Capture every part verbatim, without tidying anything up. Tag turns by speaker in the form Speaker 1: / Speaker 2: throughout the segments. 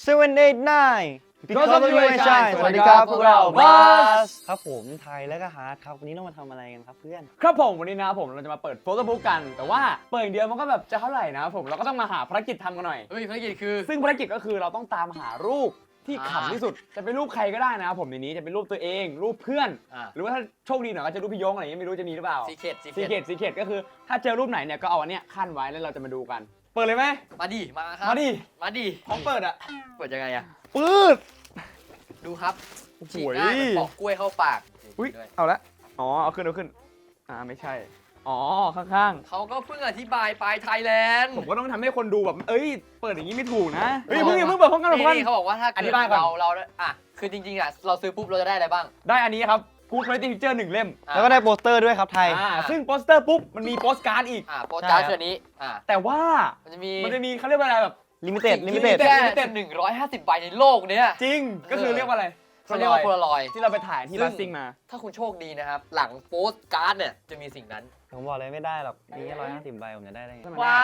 Speaker 1: เซเว่น เอท ไนน์
Speaker 2: Because of you I shine
Speaker 1: สวัสดีครับพวกเรา
Speaker 2: Buzz
Speaker 1: ครับผมไทยและก็ฮาร์ดครับวันนี้เรามาทำอะไรกันครับเพื่อน
Speaker 2: ครับผมวันนี้นะครับผมเราจะมาเปิดโฟโต้บุ๊กกัน แต่ว่าเปิดอย่างเดียวมันก็แบบจะเท่าไหร่นะครับผมเราก็ต้องมาหาภารกิจทำกันหน่อย
Speaker 3: เฮ้ยภารกิจคือ
Speaker 2: ซึ่งภารกิจก็คือเราต้องตามหารูปที่
Speaker 3: อ่า
Speaker 2: ขำที่สุด จะเป็นรูปใครก็ได้นะครับผมในนี้จะเป็นรูปตัวเอง รูปเพื่อน
Speaker 3: อ่า
Speaker 2: หรือว่าถ้าโชคดีหน่อยก็จะรูปพี่ยงอะไรอย่างเงี้ยไม่รู้จะมีหรือเปล่า
Speaker 3: ซีเคทซี
Speaker 2: ซี
Speaker 3: เค
Speaker 2: เค
Speaker 3: ท
Speaker 2: ทซีเคทก็คือถ้าเจอรูปไหนเนี่ยก็เอาอันเนี้ยขั้นไว้แล้วเราจะมาดูกัน เปิดเลยไหม
Speaker 3: มาดิมาครับ
Speaker 2: มาดิ
Speaker 3: มาดิ
Speaker 2: พร้อมเปิดอ่ะ
Speaker 3: เปิดยังไงอะ
Speaker 2: ปืด
Speaker 3: ดูครับ
Speaker 2: โอ้โห
Speaker 3: ฉีกง่ายเหมือนปอกกล้วยเข้าปาก
Speaker 2: อุ้ย
Speaker 3: ด้วย
Speaker 2: เอาละอ๋อเอาขึ้นเอาขึ้นอ่าไม่ใช่อ๋อข้างๆ
Speaker 3: เขาก็เพิ่งอธิบายไปไทยแลนด์
Speaker 2: ผมก็ต้องทำให้คนดูแบบ เอ้ย เปิดอย่างนี้ไม่ถูกนะ เฮ้ยเพิ่งอย่าเพิ่งเปิดพร้อมกันพร้อมกัน
Speaker 3: นี่เขาบอกว่าถ้า
Speaker 2: อธิ
Speaker 3: เกิด
Speaker 2: บายก่อน
Speaker 3: เราเราอ่ะคือจริงๆอ่ะเราซื้อปุ๊บเราจะได้อะไรบ้าง
Speaker 2: ได้อันนี้ครับกูด Quality Picture หนึ่งเล่ม
Speaker 3: อ่ะ
Speaker 1: แล้วก็ได้โปสเตอร์ด้วยครับไทย
Speaker 2: อ่าซึ่งโปสเตอร์ปุ๊บ มันมีโปสการ์ดอีก
Speaker 3: อ่ะโปสการ์ด
Speaker 1: ใช่ครับ
Speaker 3: เชือกนี้อ่ะ
Speaker 2: แต่ว่า
Speaker 3: มันจะมี
Speaker 2: มันจะมีเขาเรียกว่าอะไรแบบ
Speaker 1: ลิมิเต็ด ลิมิเต็ด
Speaker 2: limited
Speaker 3: แค่
Speaker 2: limited
Speaker 3: หนึ่งร้อยห้าสิบใบในโลกเนี้ย
Speaker 2: จริง ก็คือเรียกว่าอะไร
Speaker 3: เขาเรียกว่าโพลารอยด์
Speaker 2: ที่เราไปถ่ายที่
Speaker 3: ซึ่ง
Speaker 2: บัสซิ่งมา
Speaker 3: ถ้าคุณโชคดีนะครับ หลังโปสการ์ดเนี่ยจะมีสิ่งนั้น
Speaker 1: ผมบอกเลยไม่ได้หรอกมีแค่ร้อยห้าสิบใบผมจะได้ได้ไง
Speaker 2: มัน
Speaker 3: วาย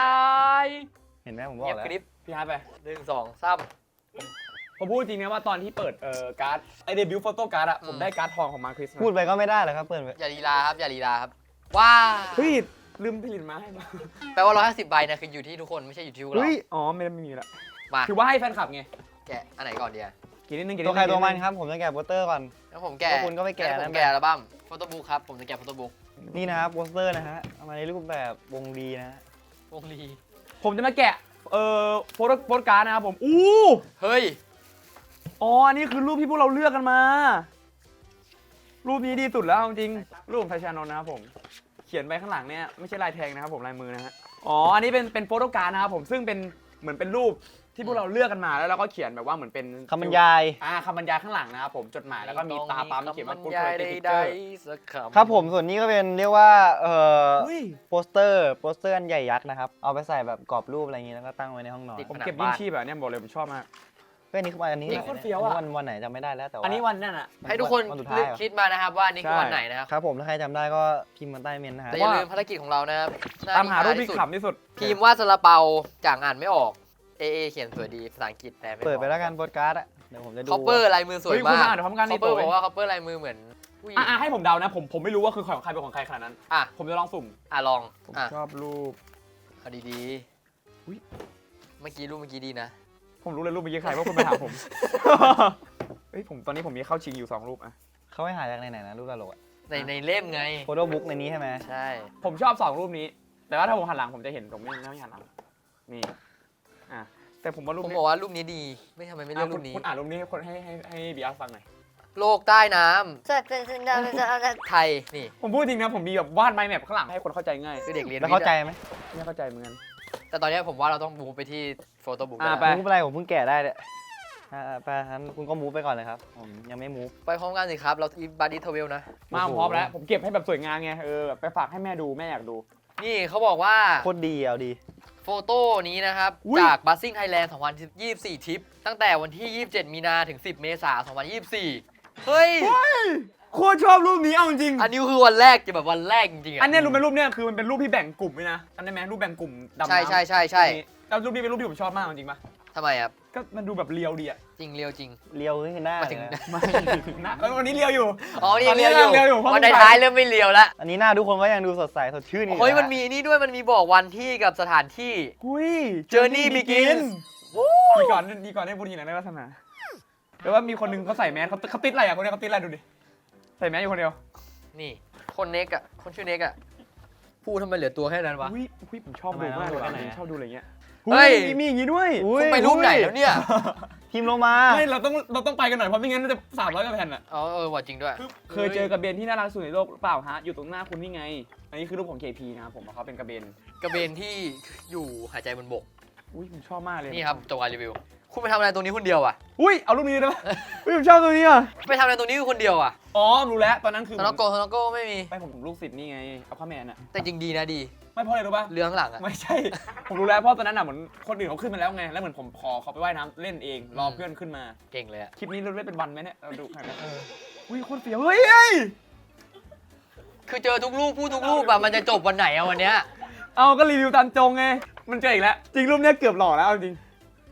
Speaker 1: เห็นไหมผมบอ
Speaker 3: เงีย
Speaker 1: ก
Speaker 3: บ
Speaker 1: แล้ว
Speaker 3: กริบ
Speaker 2: พี่ฮาร์ดไป
Speaker 3: หนึ่งสองสาม
Speaker 2: ผมพูดจริงนะว่าตอนที่เปิดเอ่อการ์ดไอเดบิวต์โฟโต้การ์ดอะผมได้การ์ดทองของมาร์คริส
Speaker 1: พูดไปก็ไม่ได้หรอกครับเพื่อน
Speaker 3: อย่าลีลาครับอย่าลีลาครับว้า
Speaker 2: เฮ้ยลืมผลิตมาให้มา
Speaker 3: แปลว่าร้อยห้าสิบใบเนี่ยคืออยู่ที่ทุกคนไม่ใช่อยู่ที่พวกเรา
Speaker 2: เฮ้ย อ๋อ ไม่ไม่มีละ
Speaker 3: มา
Speaker 2: ถือว่าให้แฟนคลับไง
Speaker 3: แกะอันไหนก่อนเดีย
Speaker 2: กินนิดนึงกินนิ
Speaker 1: ตั
Speaker 2: ด
Speaker 1: ว
Speaker 2: นึง
Speaker 1: ใครตัวมันครับผมจะแกะโปสเตอร์ก่อน
Speaker 3: แล้วผมแกะ
Speaker 1: แล้วคุณก็ไปแกะ
Speaker 3: ล้วผ
Speaker 1: นะ
Speaker 3: มแกะอัลบั้มโฟโต้บุ๊กครับผมจะแกะโฟโต้บุ๊ก
Speaker 1: นี่นะครับโปสเตอร์นะฮะเอามาในรูปแบบวงรีนะฮะ
Speaker 3: วงลี
Speaker 2: ผมจะมาแกะ เอ่อโฟโต้โฟโต้การ์ดนะครับผม อู้
Speaker 3: เฮ้ย
Speaker 2: อ๋อ อันนี้คือรูปที่พวกเราเลือกกันมา รูปนี้ดีสุดแล้วจริงๆรูปของไทยชานนท์นะครับผม เขียนไปข้างหลังเนี่ยไม่ใช่ลายแทงนะครับผมลายมือนะฮะ อ๋อ อันนี้เป็นเป็นโฟโต้การ์ดนะครับผม ซึ่งเป็นเหมือนเป็นรูปที่พวกเราเลือกกันมาแล้วเราก็เขียนแบบว่าเหมือนเป็น
Speaker 1: คำบรรยาย
Speaker 2: อ่าคำบรรยายข้างหลังนะครับผม จดหมายแล้วก็มีตาปั๊มเขียนว่า
Speaker 3: คำบ
Speaker 2: Good
Speaker 3: รรยาย
Speaker 2: Quality
Speaker 3: ใด
Speaker 2: Picture
Speaker 3: ๆสักคำ
Speaker 1: ครับผมส่วนนี้ก็เป็นเรียกว่าเอ่อ
Speaker 2: อุ้ย
Speaker 1: โปสเตอร์โปสเตอร์อันใหญ่ยักษ์นะครับเอาไปใส่แบบกรอบรูปอะไรอย่างงี้แล้วก็ตั้งไว้ในห้องนอน
Speaker 3: ติด
Speaker 2: ผม
Speaker 3: ผนัง
Speaker 2: เก็บ
Speaker 3: บ้าน
Speaker 2: ยิ่งชีพแบบเนี้ยบอกเลยผมชอบมาก
Speaker 1: เพื่อนนี้คือวันอันนี้
Speaker 2: เฮ้ยโคตรเฟี้ยวอะ
Speaker 1: วันวันไหนจำไม่ได้แล้วแต่ว่า
Speaker 2: อันนี้วันนั่นอะ
Speaker 3: ให้ทุกคน
Speaker 1: วันสุดท้าย
Speaker 3: เลือก
Speaker 1: เหรอ
Speaker 3: คิดมานะครับว่านี่คือ
Speaker 2: ใช่
Speaker 3: วันไหนนะครับ
Speaker 1: ครับผมถ้าใครจำได้ก็พิมพ์มาใต้เมนต์นะฮะ
Speaker 3: แต่อย่าลืมภารกิจของเรานะครับน้
Speaker 2: ตามหารูปที่
Speaker 3: สุด
Speaker 2: ขำที่สุด
Speaker 3: พิมพ์ว่าซาลาเปาจากอ่านไม่ออกเอเอเขียนสวยดีภาษาอังกฤษแต่ไม่
Speaker 1: เปิดไปแล้วกันโปสการ์ดอะเดี๋ยวผมจะดู
Speaker 3: คอปเปอร์ลายมือสวย
Speaker 2: เฮ้ย
Speaker 3: มา
Speaker 2: คุณ
Speaker 3: ก
Speaker 2: อ่านเดี๋ยวพร้อมกัน
Speaker 3: ค
Speaker 2: นี่
Speaker 3: อปเปอร์
Speaker 2: ตัว
Speaker 3: บอกว่าคอปเปอร์ลายมือเหมือนผู้หญิง
Speaker 2: อ่ะให้ผมเดานะผมผมไม่รู้ว่าคือของใครเป็นของใครขนาดนั้น
Speaker 3: อ่ะ
Speaker 2: ผมจะลองสุ่ม
Speaker 3: อ่ะลอง
Speaker 2: ผม
Speaker 3: อ่ะ
Speaker 2: ชอบรูป
Speaker 3: เอาดี
Speaker 2: อุ๊ย
Speaker 3: ๆเมื่อกี้รูปเมื่อกี้ดีนะ
Speaker 2: ผมรู้เลยรูปเมื่อกี้ใครเพราะคุณไปถามผม เฮ้ยผมตอนนี้ผมมีเข้าชิงอยู่สองรูปอะ
Speaker 1: เขาให้หาจากไหนๆนะรูปตลกอะ
Speaker 3: ในในเล่มไง
Speaker 1: โฟโต้บุ๊กในนี้ใช่ไหม
Speaker 3: ใช่
Speaker 2: ผมชอบสองรูปนี้ แต่ว่าถ้าผมหันหลังผมจะเห็นผมไม่ไม่หันหลังนี่อ่ะแต่ผมว่ารูป
Speaker 3: ผม
Speaker 2: นี้
Speaker 3: บอกว่ารูปนี้ดี ไม่ทำไมไม่เลื
Speaker 2: อ่ะ
Speaker 3: อก
Speaker 2: คุ
Speaker 3: รู
Speaker 2: ณ
Speaker 3: ปนี้
Speaker 2: คุณอ่านรูปนี้ให้คนให้ให้ให้บีอาร์ฟังหน่อย
Speaker 3: โลกใต้น้ำไทยนี่
Speaker 2: ผมพูดจริงนะผมมีแบบวาดไมล์แมปข้างหลังให้คนเข้าใจง่าย
Speaker 3: คือเด็กเรียน
Speaker 1: แล้วเข้าใจไหม
Speaker 2: ไม่เข้าใจเหมือนกัน
Speaker 3: แต่ตอนนี้ผมว่าเราต้องมูฟไปที่โฟโต้บุ๊ก
Speaker 2: อ่ะไป
Speaker 1: มูฟอะไรผมเพิ่งแกะได้เนี่ยอ่าไปงั้นคุณก็มูฟไปก่อนเลยครับผมยังไม่มูฟ
Speaker 3: ไปพร้อมกันสิครับ เราอีบาร์ดี้ทเวลนะ
Speaker 2: มา
Speaker 1: โอ้โห
Speaker 2: พร้อมแล้วผมเก็บให้แบบสวยงามไงเออแบบไปฝากให้แม่ดูแม่อยากดู
Speaker 3: นี่เขาบอกว่า
Speaker 1: โคตรดีเอาดี
Speaker 3: โฟโต้นี้นะครับ
Speaker 2: อุ๊ย
Speaker 3: จากบัสซิ่งไทยแลนด์สองพันยี่สิบสี่ทริป ตั้งแต่วันที่ ยี่สิบเจ็ด มีนาถึง สิบ เมษายน สองพันยี่สิบสี่ เฮ้ย
Speaker 2: โคตรชอบรูปนี้เอาจริง
Speaker 3: อันนี้คือวันแรกจะแบบวันแรกจริงๆอ่ะ
Speaker 2: อันเนี้ยรูปเป็นรูปเนี้ยคือมันเป็นรูปที่แบ่งกลุ่มด้วยนะจำได้ไหมรูปแบ่งกลุ่มดำน้ำ
Speaker 3: ใช่ใช่ใช่ใช่
Speaker 2: นี่แล้วรูปนี้เป็นรูปที่ผมชอบมากจริงๆปะ
Speaker 3: ทำไมครับ
Speaker 2: ก็มันดูแบบเรียวดีอะ
Speaker 3: จริงเรียวจริง
Speaker 1: เลียวนี่คือหน้า
Speaker 3: มา
Speaker 1: เล
Speaker 3: ถึ
Speaker 1: ย
Speaker 3: ง
Speaker 1: นะ
Speaker 2: ไม่นะแล้ววันนี้เรียวอยู่
Speaker 3: อ๋อ นี่
Speaker 2: ตอนนี้
Speaker 3: เรียวอยู่
Speaker 2: เรียวอยู่เพราะ
Speaker 3: วัน
Speaker 2: มัน
Speaker 3: ท้ายๆเริ่มไม่เรียวแล้ว
Speaker 1: อันนี้หน้าทุกคนก็ยังดูสดใสสดชื่นอยู่
Speaker 3: โอ้ย
Speaker 1: ะ
Speaker 3: มันมีนี่ด้วยมันมีบอกวันที่กับสถานที่
Speaker 2: หุย
Speaker 3: Journey begins
Speaker 2: ดีก่อนดีก่อนได้บุญทีหลังได้วาสนาแต่ว่ามีคนหนึงเขาใส่แมสเขาเขาติดอะไรอ่ะคนเนี้ยเขาติดอะไรดูดิใส่แมสอยู่คนเดียว
Speaker 3: นี่ คนเน็กอ่ะ คนชื่อเน็กอ่ะ พูดทำไมเหลือตัวแค่นั้นวะ
Speaker 2: อุ้ยอุ้ยผมชอบดูมากเลยว่ะผมชอบดูอะไรเงี้ย
Speaker 3: เฮ้ย
Speaker 2: มีมีอย่างงี้ด้วย
Speaker 1: อุ้ย
Speaker 3: คุณไปรูปไหนแล้วเนี่ย
Speaker 1: พิมพ์ลงมา
Speaker 2: ไม่เราต้องเราต้องไปกันหน่อยเพราะไม่งั้นมันจะสามร้อยกว่าแผ่นอ่ะ
Speaker 3: อ๋อเออว่าจริงด้วย
Speaker 2: เคยเจอกระเบนที่น่ารักสุดในโลกหรือเปล่าฮะอยู่ตรงหน้าคุณนี่ไง อันนี้คือรูปของ เค พี นะครับผมว่าเขาเป็นกระเบน
Speaker 3: กระเบนที่อยู่หายใจบนบก
Speaker 2: อุ้ยผมชอบมากเลย
Speaker 3: นี่ครับจบการรีวิว คุณไปทำอะไรตรงนี้คนเดียวอ่ะ
Speaker 2: อุ้ยเอารูปนี้ได้ไหมอุ้ยผมชอบตัวนี้อ่ะ
Speaker 3: ไปทำอะไรตรงนี้คนเดียวอ่ะ
Speaker 2: อ๋อรู้แล้วตอนนั้นคือ
Speaker 3: สโนโกสโนโกไม่มี
Speaker 2: ไปผมผมลูกศิษย์นี่ไงเอาข้าแมนอ่ะ
Speaker 3: แต่จริงดีนะดี
Speaker 2: ไม่เพราะอะไรรู้ป่ะ
Speaker 3: เรือข้างหลังอ่ะ
Speaker 2: ไม่ใช่ ผมรู้แล้วเพราะตอนนั้นอ่ะเหมือนคนอื่นเขาขึ้นมาแล้วไงแล้วเหมือนผมขอเขาไปว่ายน้ำเล่นเองรอเพื่อนขึ้นมา
Speaker 3: เก่งเลยอ่ะ
Speaker 2: คลิปนี้เราเล่นเป็นวันไหมเนี่ยเราดูกันนะอุ้ยโคตรเฟี้ยวเฮ้ยเฮ้ย
Speaker 3: คือเจอทุกรูปพูดทุกรูปอะมันจะจบวันไหนอะวันเนี้ย
Speaker 2: เอาก็รีวิวตามจงไงมันเจออีกแล้วจริงรูปเนี้ยเกือบหล่อแล้วเอาจริง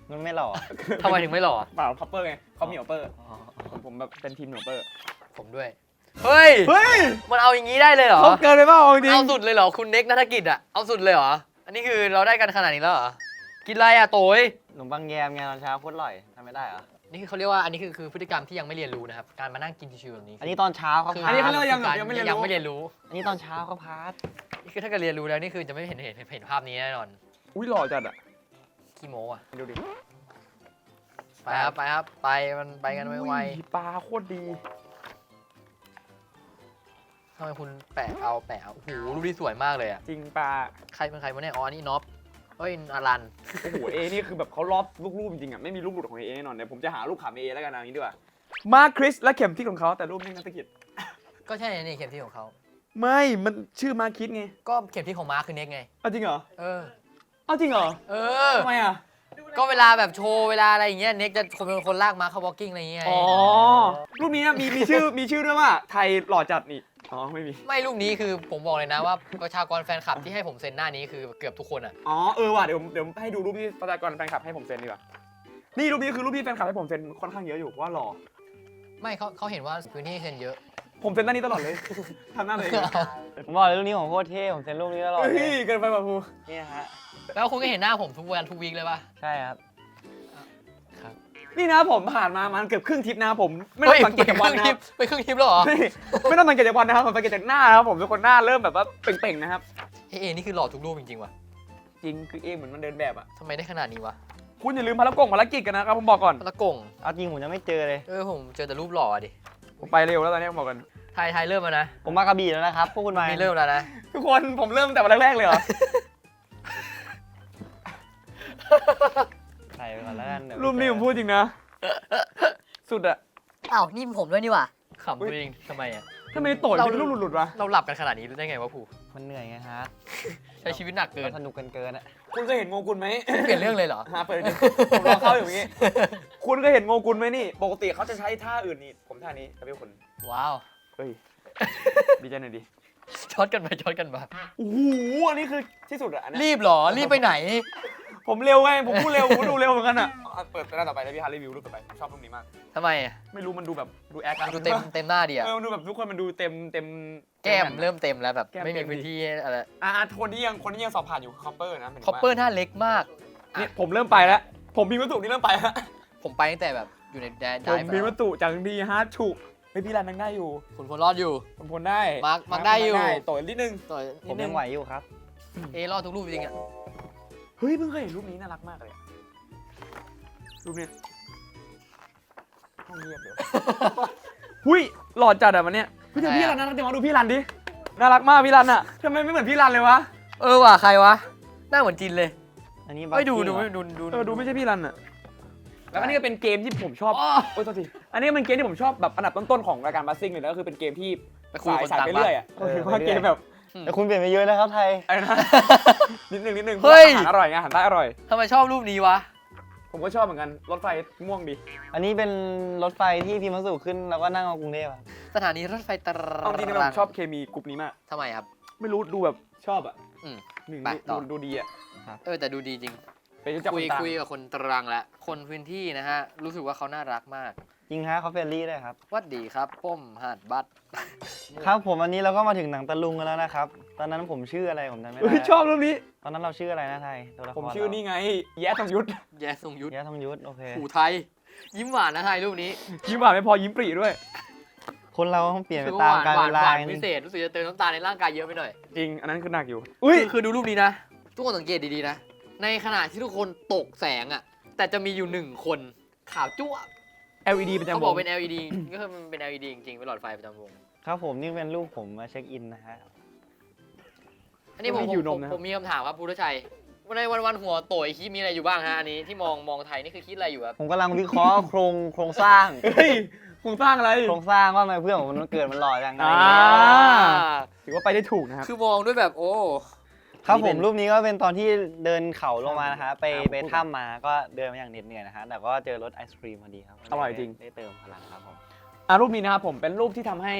Speaker 1: มันไม่หล่อ
Speaker 3: ทำไมถึงไม่หล่อ
Speaker 2: เปล่าคัพเปอร์ไงเขามีคัพเปอร์
Speaker 1: อ๋อ
Speaker 2: ผมผมแบบเป็นทีมคัพเปอร์
Speaker 3: ผมด้วย เฮ้ย
Speaker 2: เฮ้ย
Speaker 3: มันเอาอย่างนี้ได้เลยเหรอ
Speaker 2: เขาเกินไปเปล่าจริง
Speaker 3: เอาสุดเลยเหรอ คุณเน็กนัฐกิจอะเอาสุดเลยเหรอ อันนี้คือเราได้กันขนาดนี้แล้วเหรอ กินอะไรอะโตย
Speaker 1: ขนมปังแยมไงตอนเช้าโคตรอร่อยทำไม่ได้เหรอ
Speaker 3: นี่คือเขาเรียกว่าอันนี้คือคือพฤติกรรมที่ยังไม่เรียนรู้นะครับ การมานั่งกินชิวๆแบบนี้
Speaker 1: อันนี้ตอนเช้าเขา
Speaker 3: คือ
Speaker 1: พา
Speaker 2: อันนี้เขา
Speaker 1: ร์
Speaker 2: เรียก
Speaker 1: ท
Speaker 2: ว่ายัง ยังไม่เรียนรู้
Speaker 3: ยังไม่เรียนรู้
Speaker 1: อันนี้ตอนเช้าเขาพาร์ท
Speaker 3: นี่คือถ้าเกิดเรียนรู้แล้วนี่คือจะไม่เห็นเห็นเห็นภาพนี้แน่นอน
Speaker 2: อุ้ยหล่อจัดอ่ะ
Speaker 3: ขี้โม้อะ
Speaker 2: ดูดิ
Speaker 3: ไปครับไปครับไปมันไปกันไว
Speaker 2: อุ้ยปลาโคตรดี
Speaker 3: ๆทำไมคุณแปะเอาแปะเอาโอ้โหรูปนี้สวยมากเลยอะ
Speaker 2: จริงปลา
Speaker 3: ใครเป็นใครวะเนี่ยอ๋ออันนี่น็อปเอ้ยอารัน
Speaker 2: โอ้โหเอนี่คือแบบเขารอบลูกรูปจริงๆอ่ะไม่มีรูปหลุดของเอแน่นอนเดี๋ยวผมจะหารูปขำเอแล้วกันนะอย่างนี้ดีกว่ามาคริสและเข็มทิศของเขาแต่รูปไม่นักตะกิด
Speaker 3: ก็ใช่นี่เข็มทิศของเขา
Speaker 2: ไม่มันชื่อมาคิดไง
Speaker 3: ก็เข็มทิศของมาร์คคือเน็กไง
Speaker 2: เอาจริงเหรอ
Speaker 3: เออ
Speaker 2: เอาจริงเหรอ
Speaker 3: เออ
Speaker 2: ทำไมอ่ะ
Speaker 3: ก็เวลาแบบโชว์เวลาอะไรอย่างเงี้ยเน็กจะคนเป็นคนลากมาเข้าวอล์กกิ้งอะไรอย่างเงี้ย
Speaker 2: อ๋อรูปนี้นะมีมีชื่อมีชื่อด้วยว่าไทยหล่อจัดนี่อ๋อไม่มี
Speaker 3: ไม่รูปนี้คือผมบอกเลยนะว่าประชากรแฟนคลับที่ให้ผมเซ็นหน้านี้คือเกือบทุกคนอ่ะ
Speaker 2: อ๋อเออว่ะเดี๋ยวเดี๋ยวให้ดูรูปที่ประชากรแฟนคลับให้ผมเซ็นดีกว่านี่รูปนี้คือรูปที่แฟนคลับให้ผมเซ็นค่อนข้างเยอะอยู่เพราะว่าหล่อ
Speaker 3: ไม่เขาเขาเห็นว่าพื้นที่เซ็นเยอะ
Speaker 2: ผมเซ็นหน้านี้ตลอดเลย ทำหน้าเลย
Speaker 1: ผมบอกเลยรูปนี้ของโคตรเท่ผมเซ็นรูปนี้ตลอดเล
Speaker 2: เฮ้
Speaker 1: ย
Speaker 2: ยเกินไปป่ะครู
Speaker 1: นี่ฮะ
Speaker 3: แล้วคุณก็เห็นหน้าผมทุกวันทุกวีคเลยป่ะ
Speaker 1: ใช่ครับ
Speaker 2: นี่นะผมผ่านมามันเกือบครึ่งทริปนะผมไม่ต้องสังเกตจากวันนะ
Speaker 3: ไปครึ่งทริปแล้วเหรอ
Speaker 2: ไม่ไม่ต้องสังเกตจากวันนะครับผมสังเกตจากหน้านะครับผมทุกคนหน้าเริ่มแบบว่าเป่งๆนะครับ
Speaker 3: เอเอนี่คือหล่อทุกรูปจริงๆว่ะ
Speaker 2: จริงคือเอเหมือนมันเดินแบบอ่ะ
Speaker 3: ทำไมได้ขนาดนี้วะ
Speaker 2: คุณอย่าลืมภารกิจภารกิจกันนะครับผมบอกก่อน
Speaker 3: ละกง
Speaker 1: เอาจริงผมจะไม่เจอเลย
Speaker 3: เออผมเจอแต่รูปหล่อดิ
Speaker 2: ผมไปเร็วแล้วตอนนี้ผมบอกกัน
Speaker 3: ไทยไทยเริ่มแล้วนะ
Speaker 1: ผมมากระบี่แล้วนะครับพวกคุณมา
Speaker 3: มีเริ่มแล้วนะ
Speaker 2: ทุกคนผมเริ่มแต่วันแรกๆเลยเหรอ
Speaker 1: ถ่ายไปก่อนแล้วกันเดี๋ยว
Speaker 2: รูปนี้ผมพูดจริงนะสุดอะ
Speaker 4: อ้าวนี่ผมด้วยนี่หว่า
Speaker 3: ขำตัวเองทำไมอ่ะ
Speaker 2: ทำไมโต่อยเป็นรูปหลุดๆวะ
Speaker 3: เราหลับกันขนาดนี้ได้ไงวะผู้
Speaker 1: มันเหนื่อยไงฮะ
Speaker 3: ใช้ชีวิตหนักเกิน
Speaker 1: สนุกกันเกินอะ
Speaker 2: คุณเคยเห็นโงกุลไหม
Speaker 3: เปลี่ยนเรื่องเลยเหรอ
Speaker 2: หาเปิดดิผมรอเข้าอยู่อย่างงี้ คุณเคยเห็นโงกุลไหมนี่ ปกติเขาจะใช้ท่าอื่นนี่ ผมท่านี้แต่พี่คุณ
Speaker 3: ว้าว
Speaker 2: เฮ้ย ดีใจหน่อยดิ
Speaker 3: ช็อตกันไปช็อตกันมา
Speaker 2: โอ้โห อันนี้คือที่สุดอะอันเนี้ย
Speaker 3: รีบเหรอ รีบไปไหน
Speaker 2: ผมเร็วไง ผมพูดเร็ว ผมดูเร็วเหมือนกันอะอ่ะเปิดไปหน้าต่อไปแล้วพี่ฮาร์รีวิวรูปต่อไปผมชอบรูปนี้มาก
Speaker 3: ทำไมอ่ะ
Speaker 2: ไม่รู้มันดูแบบดูแอค
Speaker 3: ดูเต็มเต็มหน้าดีอ่ะ
Speaker 2: เออมันดูแบบทุกคนมันดูเต็มเต็ม
Speaker 3: แก้ม
Speaker 2: ต็
Speaker 3: เริ่มเต็มแล้วแบบ
Speaker 2: แก้ม
Speaker 3: ไม่
Speaker 2: เต็
Speaker 3: มี
Speaker 2: ม
Speaker 3: พื้นที่ให้อะไร
Speaker 2: อ่ะอ่ะคนที่ยังคนที่ยังสอบผ่านอยู่คือคอปเปอร์นะหมายถึง
Speaker 3: คอป
Speaker 2: ว่า
Speaker 3: เปอร์หน้าเล็กมาก
Speaker 2: เนี่ยผมเริ่มไปแล้ว ผมมีวัตถุนี่เริ่มไปแล้ว
Speaker 3: ผมไปตั้งแต่แบบอยู่ในแดน
Speaker 2: ผมมีวัตถุจังดีฮาร์ดฉุเฮ้ยพี่รันยังได้อยู่
Speaker 3: คุณพลรอดอยู่
Speaker 2: ผมพลได้
Speaker 3: มาร์คมาร์คได้อยู่
Speaker 2: ต่อยนิดนึง
Speaker 3: ต่อย
Speaker 1: ผ
Speaker 3: นิ
Speaker 1: ม
Speaker 3: ดนึ
Speaker 1: ยัง งไหวอยู่ครับ
Speaker 3: เอรอดทุกรูปจริงอ่ะ
Speaker 2: เฮ้ยเพิ่งเคยเห็นรูปนี้น่ารักมากเลยอะรูปนี้ห้องเงียบเลย หุยหล่อจัดอะวันเนี้ยพี่เดี๋ยวพี่รันน่ารักจังวะดูพี่รันดิน่ารักมากพี่รันอะทำไมไม่เหมือนพี่รันเลยวะ
Speaker 3: เออว่ะใครวะหน้าเหมือนจินเลย
Speaker 1: อันนี้
Speaker 3: ไม่ดู
Speaker 1: บัค
Speaker 3: ดู
Speaker 1: กี้เหรอ
Speaker 3: ดูดู
Speaker 2: เออดูไม่ใช่พี่รันอะแล้วก็นี่ก็เป็นเกมที่ผมชอบ
Speaker 3: อ๋อ
Speaker 2: โอ้ยโทษทีอันนี้เป็นเกมที่ผมชอบแบบอันดับต้นๆของรายการบัสซิ่งเลยนะก็คือเป็นเกมที่
Speaker 3: ไปคุย
Speaker 2: สาย
Speaker 3: คน
Speaker 2: สาย
Speaker 3: ต่าง
Speaker 2: ไป
Speaker 3: บ้า
Speaker 2: เรื่อย
Speaker 3: น
Speaker 2: อะก็คือว่าเกมแบบ
Speaker 1: แต่คุณเปลี่ยนไปเยอะนะครับไทย
Speaker 2: อะไรนะ นิดนึงนิดนึง
Speaker 3: เฮ้ย
Speaker 2: อาหารอร่อยไงอาหารใต้อร่อย
Speaker 3: ทำไมชอบรูปนี้วะ
Speaker 2: ผมก็ชอบเหมือนกันรถไฟม่วงดี
Speaker 1: อันนี้เป็นรถไฟที่พิมพ์มาสู่ขึ้นแล้วก็นั่งเอากรุงเทพอะ
Speaker 3: สถานีรถไฟตร
Speaker 2: เอาจริงๆผมชอบเคมีกลุ่มนี้มาก
Speaker 3: ทำไมครับ
Speaker 2: ไม่รู้ดูแบบชอบอะ
Speaker 3: อืม
Speaker 2: หนึ่ง
Speaker 3: ไปต่
Speaker 2: ดู
Speaker 3: อ
Speaker 2: ดูดีอะ
Speaker 3: เออแต่ดูดีจริง
Speaker 2: ไปรู้จัก
Speaker 3: คุ
Speaker 2: ค
Speaker 3: ย
Speaker 2: นต่าง
Speaker 3: คุยกับคนตรังแล้วคนพื้นที่นะฮะ รู้สึกว่าเขาน่ารักมาก
Speaker 1: จริงฮะเขาเฟรนลี่ด้วยครับ
Speaker 3: วัดดีครับป้มหาดบัตร
Speaker 1: ครับผมอันนี้เราก็มาถึงหนังตะลุงกันแล้วนะครับ ตอนนั้นผมชื่ออะไรผมจำไม่
Speaker 2: เฮ้
Speaker 1: ได้
Speaker 2: ยชอบรูปนี้
Speaker 1: ตอนนั้นเราชื่ออะไรนะไทยตัวละคร
Speaker 2: ผมชื่อนี่ไง แย้ทองยุทธ
Speaker 3: แย่ทรงยุทธ
Speaker 1: แย่ทองยุทธโอเค
Speaker 3: ผูไทย ยิ้มหวานนะไทยรูปนี้
Speaker 2: ยิ้มหวานไม่พอยิ้มปรีด้วย
Speaker 1: คนเราต้องเปลี่ยนไป
Speaker 3: คือ
Speaker 1: ตาม
Speaker 3: หวาน
Speaker 1: กาล
Speaker 3: หวาน
Speaker 1: เวลา
Speaker 3: หวาน
Speaker 1: จ
Speaker 3: พิ
Speaker 1: ริง
Speaker 3: เศษรู้สึกจะเติมน้ำตาลในร่างกายเยอะไปหน่อย
Speaker 2: จริง อันนั้นคือหนักอยู่
Speaker 3: อุ้
Speaker 2: อุ้
Speaker 3: ย
Speaker 2: ย
Speaker 3: คือดูรูปนี้นะ ทุกคนสังเกตดีๆนะ ในขณะที่ทุกคนตกแสงอ่ะ แต่จะมีอยู่หนึ่งคนขาวจั่ว
Speaker 2: แอล อี ดี ประจำ
Speaker 3: เขา
Speaker 2: ว
Speaker 3: บอก
Speaker 2: ง
Speaker 3: เป็น แอล อี ดี ก็คือมันเป็น แอล อี ดี จริงๆเป็นหลอดไฟประจำวง
Speaker 1: ครับผมนี่เป็นรูปผมมาเช็คอินนะฮะ
Speaker 3: อันนี้ผม
Speaker 2: ไม่
Speaker 3: ผ
Speaker 2: หิ
Speaker 3: ม
Speaker 2: วน
Speaker 3: ผม ม
Speaker 2: นะครับ
Speaker 3: ผมมีคำถามครับพุทธชัยวันในวันวันหัวโตยคิดมีอะไรอยู่บ้างฮะอันนี้ที่มองมองไทยนี่คือคิดอะไรอยู่ครับ
Speaker 1: ผมกำลังวิเคราะห์โครงโครงสร้าง
Speaker 2: เฮ้ยคงสร้างอะไร
Speaker 1: โครงสร้างว่าทำไมเพื่อนผมมันเกิดมันหล่อจังไง
Speaker 2: อ่า ถือว่าไปได้ถูกนะครับ
Speaker 3: คือมองด้วยแบบโอ้
Speaker 1: ครับ
Speaker 2: นี่
Speaker 1: ผ
Speaker 2: เป็
Speaker 1: ม
Speaker 2: น
Speaker 1: รูปนี้ก็เป็นตอนที่เดินเขาลงมานะฮะไป
Speaker 2: อ่า
Speaker 1: ไป
Speaker 2: พูด
Speaker 1: ถ้ำมาก็เดินมาอย่างเหน็ดเหนื่อยนะฮะแต่ก็เจอรถไอศครีมพอดีครับ
Speaker 2: อร่อยจริง
Speaker 1: ได้เติมพลังครับผม
Speaker 2: อ่ะรูปนี้นะครับผมเป็นรูปที่ทำให้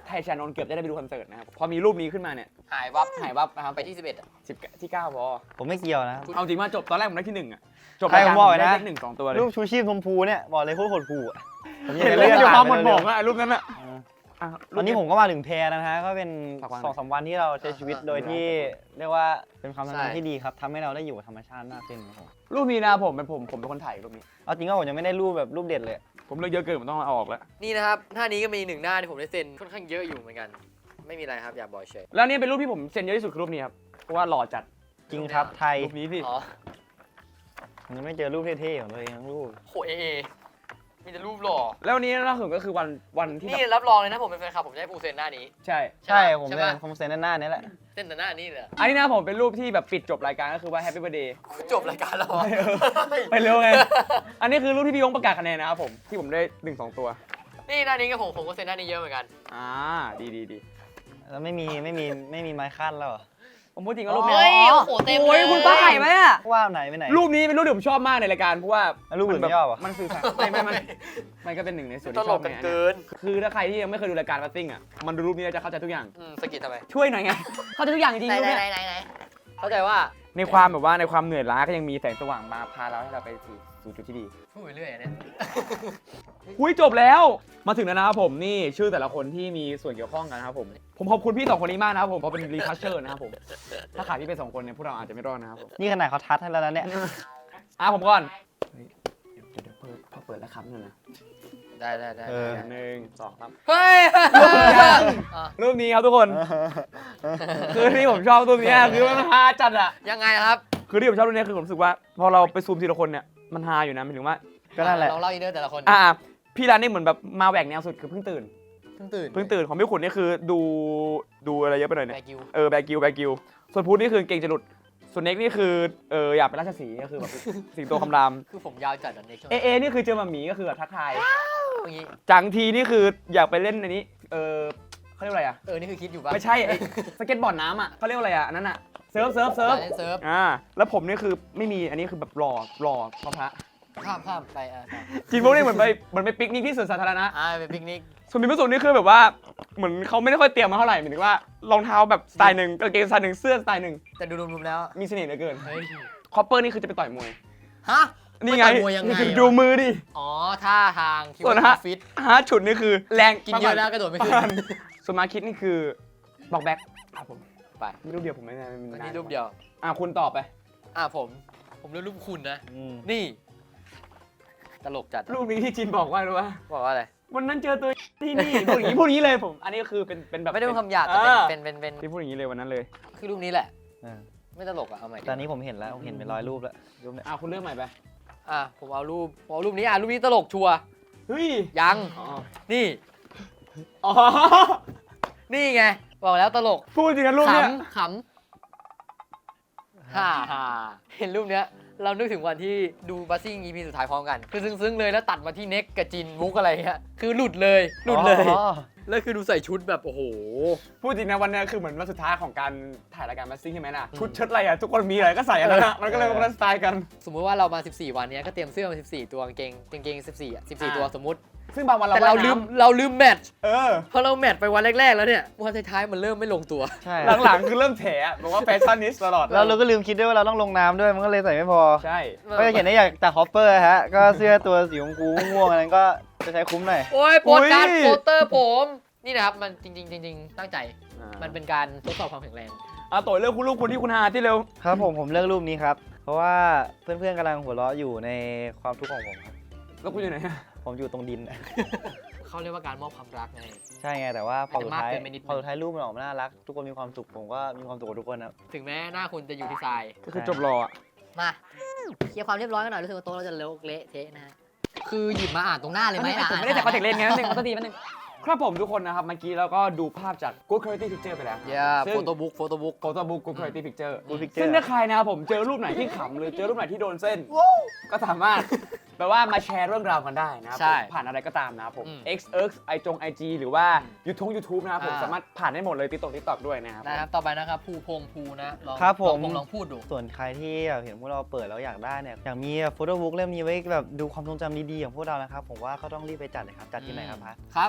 Speaker 2: ไทยชานนท์เกือบจะได้ไปดูคอนเสิร์ตนะครับพอมีรูปนี้ขึ้นมาเนี่ย
Speaker 3: หายวับ
Speaker 2: หายวับนะครับ
Speaker 3: ไปที่สิบเอ็ดอ่ะ
Speaker 2: สิบที่เก้าพอ
Speaker 1: ผมไม่เกี่ยวนะ
Speaker 2: เอาจริงว่าจบตอนแรกผมได้ที่หนึ่งอ่ะจบ
Speaker 1: ใครผมบอกเลยนะ
Speaker 2: ได้เลขหนึ่งสองตัวเลย
Speaker 1: รูปชูชีพชมพูเนี่ยบอกเลยโคตรโหดหู่อะผมอยาก
Speaker 2: เห็น
Speaker 1: จะ
Speaker 2: แล้ว
Speaker 1: เลื่อน
Speaker 2: อยู่ความหม
Speaker 1: ผ่
Speaker 2: ด
Speaker 1: น
Speaker 2: ห
Speaker 1: ไป
Speaker 2: ม
Speaker 1: เร็
Speaker 2: อ
Speaker 1: ว
Speaker 2: งอะรูปนั้นอะ
Speaker 1: ๆเออ
Speaker 2: อ่ะ
Speaker 1: วันนี้ผมก็มาถึงแพรนะฮะก็เป็น
Speaker 2: ฝากวางหน่อย
Speaker 1: สองสามวันที่เราใช้ชีวิตโดยที่เรียกว่าเป็นความสัมพัน
Speaker 3: ใช่
Speaker 1: ธ์ที่ดีครับทำให้เราได้อยู่กับธรรมชาติมากขึ้นครับผม
Speaker 2: รูปนี้นะผมเป็นผมผมเป็นคนถ่ายรูปนี้
Speaker 1: เอาจริงก็ผมยังไม่ได้รูปแบบรูปเด็ดเลย
Speaker 2: ผมเลือกเยอะเกินผมต้องเอาออกแล้ว
Speaker 3: นี่นะครับหน้านี้ก็มีหนึ่งหน้าที่ผมได้เซ็นค่อนข้างเยอะอยู่เหมือนกัน ไม่มีอะไรครับอย่าบอยเฉย
Speaker 2: แล้วนี่เป็นรูปที่ผมเซ็นเยอะที่สุดคือรูปนี้ครับเพราะว่าหล่อจัด
Speaker 1: จริงครับไทย
Speaker 2: รูปนี้พี่
Speaker 3: อ๋อ
Speaker 1: ผมยังไม่เจอรูปเท่ๆของตัวเองทั้งรูป
Speaker 3: โหเอเอมีแต่รูปหล่อ
Speaker 2: แล้ววันนี้ล่าสุดก็คือวันวันที่
Speaker 3: นี่
Speaker 2: แบบ
Speaker 3: รับรองเลยนะผมเป็นแฟนคลับผมจะให้ปูเซ็นหน้านี้
Speaker 2: ใช่
Speaker 1: ใช่
Speaker 3: ใช่
Speaker 1: ผม
Speaker 3: ใช่
Speaker 1: เซ็น
Speaker 3: ปะ
Speaker 1: ผมเซ็นหน้าๆนี้แหละ
Speaker 3: เซ็นแต่หน้านี้เลยอะ
Speaker 2: อันนี้นะผมเป็นรูปที่แบบปิดจบรายการก็คือว่า Happy Birthday
Speaker 3: จบรายการแล้วเหรอ
Speaker 2: ไปเร็วไง อันนี้คือรูปที่พี่ยงประกาศคะแนนนะครับผมที่ผมได้หนึ่งสองตัว
Speaker 3: นี่หน้านี้กับผมผมก็เซ็นหน้านี้เยอะเหมือนกัน
Speaker 2: อ่าดีดีดี
Speaker 1: แล้วไม่มีไม่มีไม่มีไม้ขั้นแล้วเหรอ
Speaker 2: ผมพูดจริงว่ารูปนี้
Speaker 3: เฮ้ยโอ้โหเต็มเลย
Speaker 2: โอ้ยคุณป้าไข่ไหมอะ
Speaker 1: ว่าไหนไปไหน
Speaker 2: รูปนี้เป็นรูปที่ผมชอบมากในรายการเพราะว่า
Speaker 1: แล้วรูปอื่นไม่ชอบเหรอ
Speaker 2: มันสื่อสารไม่ไม่ไม่มันก็เป็นหนึ่งในส่วน
Speaker 3: ต
Speaker 2: ที่
Speaker 3: ล
Speaker 2: ชอก บ
Speaker 3: กัน
Speaker 2: ในอัน
Speaker 3: เกิ
Speaker 2: เนี้ย
Speaker 3: น
Speaker 2: คือถ้าใครที่ยังไม่เคยดูรายการบัสซิ่งอ่ะมันดูรูปนี้แล้วจะเข้าใจทุกอย่าง
Speaker 3: อืมสะกิดทำไม
Speaker 2: ช่วยหน่อยไง เข้าใจทุกอย่างจริง
Speaker 3: ไหน
Speaker 2: ๆรูป
Speaker 3: ไหน
Speaker 2: เนี้ย
Speaker 3: ไหนไหนเข้าใจว่า
Speaker 2: ในความแบบว่าในความเหนื่อยล้าก็ยังมีแสงสว่างมาพาเราให้เราไปสู่สู่จุดที่ดี
Speaker 3: พูดไปเรื่อยอะเนี่ย
Speaker 2: อุ้ยจบแล้วมาถึงแล้วนะครับผมนี่ชื่อแต่ละคนที่มีส่วนเกี่ยวข้องกันนะครับผมผมขอบคุณพี่สองคนนี้มากนะครับผมเพราะเป็นรีทัชเชอร์นะครับผมถ้าขาดพี่ไปสองคนเนี่ยพวกเราอาจจะไม่รอดนะครับผม
Speaker 1: นี่ขนาดเขาทัดให้แล้วนะเนี่ย
Speaker 2: อ่ะผมก่อนเฮ้ยเดี๋ยวเดี๋ยวเปิดพอเปิดแล้วครับเนี่ยนะ
Speaker 3: ได้ได้ได้
Speaker 1: เออ
Speaker 2: หนึ่งสองสาม
Speaker 3: เฮ้ย อ่ะ
Speaker 2: รูปนี้ครับทุกคน คือที่ผมชอบรูปนี้อะคือมันฮาจัดอะ
Speaker 3: ยังไงครับ
Speaker 2: คือที่ผมชอบรูปนี้คือผมรู้สึกว่าพอเราไปซูมทีละคนเนี่ยมันฮาอยู่นะหมายถึงว่า
Speaker 1: ก็นั่นแหละ
Speaker 3: ลองเล่าอินเนอร์แต่ละคน
Speaker 2: อ่าพี่ร้านนี่เหมือนแบบมาแหวกแนวสุดคือเพิ่งตื่น
Speaker 3: เพิ่งตื่น
Speaker 2: เพิ่งตื่นของพี่ขุนนี่คือดูดูอะไรเยอะไปหน่อย
Speaker 3: แบ
Speaker 2: เนี่ย
Speaker 3: กิว
Speaker 2: เออแบกิวแบกิวส่วนพูดนี่คือเก่งจะหลุดส่วนเน็กนี่คือเอออยากเป็นราชสีห์ก็คือแบบ สิงโตคำราม
Speaker 3: คือผมยาวจัดอันนี้ช่วง
Speaker 2: เอเอนี่คือเจอมาหมีก็คือแบบทักทาย
Speaker 3: อย่างงี้
Speaker 2: จังทีนี่คืออยากไปเล่นในนี้เออเขาเรียกว่าอะไรอะ
Speaker 3: เออ นี่คือคิดอยู่ป่ะ
Speaker 2: ไม่ใช่ไอ้สเก็ตบอร์ดน้ำอะเขาเรียกว่าอะไรอะอันนั้นอะเซิร์ฟเซิร์ฟเซิร์ฟ
Speaker 3: เล่นเซิร์ฟ
Speaker 2: อ่าแล้วผมนี่คือไม่มีอันนี้คือแบบหล่อหล่อพระพระ
Speaker 3: ข้ามข้ามไปอ่ะต่อ
Speaker 2: จินบุ๊กนี่เหมือนไปเหมือนไปปิกนิกที่สวนสาธารณะ
Speaker 3: อ่าเป็นปิกนิก
Speaker 2: ส่วนพิมพ์สุนี่คือแบบว่าเหมือนเขาไม่ได้ค่อยเตรียมมาเท่าไหร่หมายถึงว่ารองเท้าแบบสไตล์หนึ่งกางเกงสไตล์หนึ่งเสื้อสไตล์หนึ่ง
Speaker 3: แต่ดูรวมๆแล้ว
Speaker 2: มีเสน่ห์เหลือเกิน
Speaker 3: เฮ้ย
Speaker 2: คอปเปอร์นี่คือจะไปต่อยมวย
Speaker 3: ฮะ
Speaker 2: นี่ไง
Speaker 3: ไปต่อยมวยยังไง
Speaker 2: ดู
Speaker 3: วะ
Speaker 2: มือดิ
Speaker 3: อ๋อ ท่าทางคิด
Speaker 2: ส่วน
Speaker 3: ว่า
Speaker 2: ฮะ
Speaker 3: ฟิต
Speaker 2: ฮาร์ดฉุดนี่คือแรง
Speaker 3: กินเยอะแล้วกระโดดไม่ขึ้น
Speaker 2: ประาณส่วนมาคิดนี่คือบอกแบ็คครับผมไปมีรูปเดียวผมไม่ได้
Speaker 3: อันนี้รูปเดียว
Speaker 2: อ่ะคุณตอบไป
Speaker 3: อ่ะผม ผมเลือกรูปคุณนะ
Speaker 1: อืม
Speaker 3: นี่ ตลกจัด
Speaker 2: รูปนี้ที่จินบอกว่ารู้ป่ะ
Speaker 3: บอกว่าอะไร
Speaker 2: วันนั้นเจอตัวที่นี่พูดอย่างนี้พูดอย่างนี้เลยผม อันนี้ก็คือเป็นเป็นแบบ
Speaker 3: ไม่ได้เป็นคำหยาบแต่
Speaker 2: อ่า
Speaker 3: เป็นเป็นเป็นเป็น
Speaker 2: ที่พูดอย่างนี้เลยวันนั้นเลย
Speaker 3: คือรูปนี้แหละ
Speaker 1: เออ
Speaker 3: ไม่ตลกอ่ะ เอาใหม่ดิ
Speaker 1: ตอนนี้ผมเห็นแล้วผมเห็นเป็นร้อยรูปแล้วรูปเนี่ย
Speaker 2: อ่ะคุณเลือกใหม่ไป
Speaker 3: อ่ะ ผมเอารูปผมเอารูปนี้อ่ะ รูปนี้ตลกชัวร์
Speaker 2: เฮ้ย
Speaker 3: ยัง
Speaker 2: อ๋อ
Speaker 3: นี่
Speaker 2: อ๋อ
Speaker 3: นี่ไง บอกแล้วตลก
Speaker 2: พูดจริงนะรูปเนี้ย
Speaker 3: ขำขำฮ่าฮ่าเห็นรูปเนี้ย เรานึกถึงวันที่ดูบัสซิ่ง อี พี สุดท้ายพร้อมกัน คือซึ้งๆเลยแล้วตัดมาที่เน็กกับจินมุกอะไรเงี้ย คือหลุดเลย หลุดเลย
Speaker 1: อ๋อ
Speaker 3: แล้วคือดูใส่ชุดแบบโอ้โห
Speaker 2: พูดจริงนะวันเนี้ยคือเหมือนวันสุดท้ายของการถ่ายรายการมาซิ่งใช่ไหมน่ะชุดเชิ้ตอะไรอ่ะทุกคนมีอะไรก็ใส่อันนั้นอะมันก็เลยเป็นสไตล์กัน
Speaker 3: สมมุติว่าเรามา สิบสี่ วันเนี้ยก็เตรียมเสื้อมาสิบสี่ ตัวกางเกงกางเกง สิบสี่อ่ะ สิบสี่
Speaker 2: อ่า
Speaker 3: ตัวสมมุติ
Speaker 2: ซึ่งบางวันเรา
Speaker 3: แต่เรา
Speaker 2: ว่ย
Speaker 3: ลืม
Speaker 2: น้ำ
Speaker 3: เราลืมแมทช์
Speaker 2: เออ
Speaker 3: พอเราแมทช์ไปวันแรกๆแล้วเนี่ย วันท้ายๆมันเริ่มไม่ลงตัว
Speaker 1: ใช่
Speaker 2: หลังๆคือเริ่มแถะบอกว่าแฟชั่นนิสตลอด
Speaker 1: แล้วเราก็ลืมคิดด้วยว่าเราต้องลงน้ำด้วยมันก็เลยใส่ไม่พอ
Speaker 2: ใช่
Speaker 1: ก็จะเห็นได้จากจากฮอปเปอร์ฮะก็เสื้อตัวสีชมพูม่วงๆอันนั้นก็จะใช้คุ้มหน่อย
Speaker 3: โอ้ยโปสการ์ดโปสเตอร์ผม นี่นะครับ มันจริงๆจริงๆตั้งใจ มันเป็นการทดสอบความแข็งแรง
Speaker 2: อ่ะต่อยเรื่องคุณลูกคุณที่คุณหาที่เร็ว
Speaker 1: ครับผมผมเลือกรูปนี้ครับ เพราะว่าเพื่อนๆกำลังหัวเราะอยู่ในความทุกข์ของผมครับ
Speaker 2: แล้วคุณอยู่ไหน
Speaker 1: ผมอยู่ตรงดิน
Speaker 3: เขาเรียกว่าการมอบความรักไง
Speaker 1: ใช่ไงแต่ว่าพอสุดท้าย
Speaker 3: อาจจะมากเกินไปนิดนึง
Speaker 1: พอสุดท้ายรูปมันออกมาน่ารัก ทุกคนมีความสุขผมก็มีความสุขกับทุกคนครับ
Speaker 3: ถึงแม้หน้าคุณจะอยู่ที่ทราย
Speaker 2: ก็คือจบรออ่ะ
Speaker 4: มาเคลียร์ความเรียบร้อยกันหน่อยรู้สึกว่าโต๊ะเราจะเลอะเละเทะนะฮะคือหยิบมาอ่านตรงหน้าเลยไหมอ่ะ
Speaker 2: ผมไม่ได้จากคอนแทคเลนส์ไงนั่นเองขอโทษทีแป๊บนึงครับผมทุกคนนะครับเมื่อกี้เราก็ดูภาพจาก Good Quality Picture ไปแล้ว
Speaker 3: อย่า
Speaker 2: ซึ่ง
Speaker 3: โฟโต้บุ๊กโฟโต้บุ๊ก
Speaker 2: โฟโต้บุ๊ก Good Quality Picture
Speaker 1: Good Picture
Speaker 2: ซึ่งถ้าใครนะครับผมเจอรูปไหนที่ขำหรือเจอรูปไหนที่โดนเส้น ก็สามารถแปลว่ามาแชร์เรื่องราวกันได้นะครับ
Speaker 3: ใช่
Speaker 2: ผมผ่านอะไรก็ตามนะครับผม
Speaker 3: อืม
Speaker 2: X X ไอจง ไอ จี หรือว่า YouTube YouTube นะครับผม
Speaker 3: อ่า
Speaker 2: สามารถผ่านได้หมดเลยติ๊กต็อกติ๊กต็อกด้วยนะครับ
Speaker 3: นะครับ ต่อไปนะครับ ภูพงภูนะลอง
Speaker 1: ครับผม
Speaker 3: ลองลองพูดดู
Speaker 1: ส่วนใครที่แบบเห็นพวกเราเปิดแล้วอยากได้เนี่ยอยากมีโฟโต้บุ๊กเล่มนี้ไว้แบบดูความทรงจำดีๆของพวกเรานะครับผมว่าก็ต้องรีบไปจัดเลยครับจัดที่ไหนครับพัท
Speaker 3: ครับนะซื้อ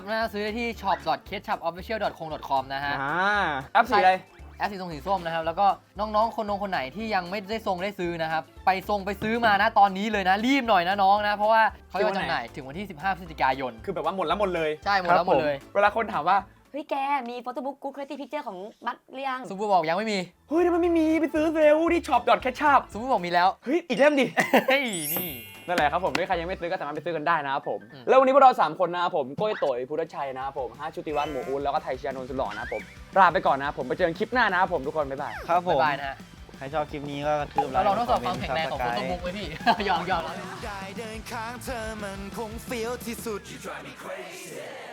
Speaker 3: ได้ที่ ช็อป ดอท เคทชัพ ออฟฟิเชียล ดอท คง ดอท คอม นะฮะ
Speaker 2: อ่าแอปสีอะไร
Speaker 3: แอปสีส้มสีส้มนะครับ แล้วก็น้องๆ คนนงคนไหนที่ยังไม่ได้ทรงได้ซื้อนะครับ ไปทรงไปซื้อมานะตอนนี้เลยนะ รีบหน่อยนะน้องนะ เพราะว่าเขาจะจำหน่ายถึงวันที่ สิบห้า พฤศจิกายน
Speaker 2: คือแบบว่าหมดแล้วหมดเลย
Speaker 3: ใช่หมดแล้วหมดเลย
Speaker 2: เวลาคนถามว่า
Speaker 5: เฮ้ยแก มีโฟโต้บุ๊กกู๊ดคุณภาพพิกเจอร์ของบัตรหรือยัง
Speaker 3: ซูเปอร์บอกยังไม่มี
Speaker 2: เฮ้ยทำไมไม่มีไปซื้อเร็วที่ช็อปดอทแคชชัพ
Speaker 3: ซูเปอร์บอกมีแล้ว
Speaker 2: เฮ้ยอีกเล่มดิ
Speaker 3: เฮ้ยนี่
Speaker 2: นั่นแหละครับผมถ้าใครยังไม่ซื้อก็สามารถไปซื้อกันได้นะครับผม
Speaker 3: อืม
Speaker 2: แล้ววันนี้พวกเราสามคนนะครับผมโก้ยโต่อยพุทธชัยนะครับผมฮาชุติวัฒน์หมูอูนแล้วก็ไทยเชียร์นนท์สุดหล่อนะครับผมลาไปก่อนนะครับผมไปเจอกันคลิปหน้านะครับผมทุกคนบ๊ายบาย
Speaker 1: ครับผม
Speaker 3: บ๊ายบายนะฮะ
Speaker 1: ใครชอบคลิปนี้ก็กระทืบไล
Speaker 3: เรา
Speaker 1: ค์
Speaker 3: ลองทดสอบความแข็งแรงของโฟ
Speaker 1: Subscribe
Speaker 3: โต้บุ๊กไหมพี่ ยอมยอม
Speaker 6: ได้เดินข้างเธอมันคงเฟี้ยวที่สุด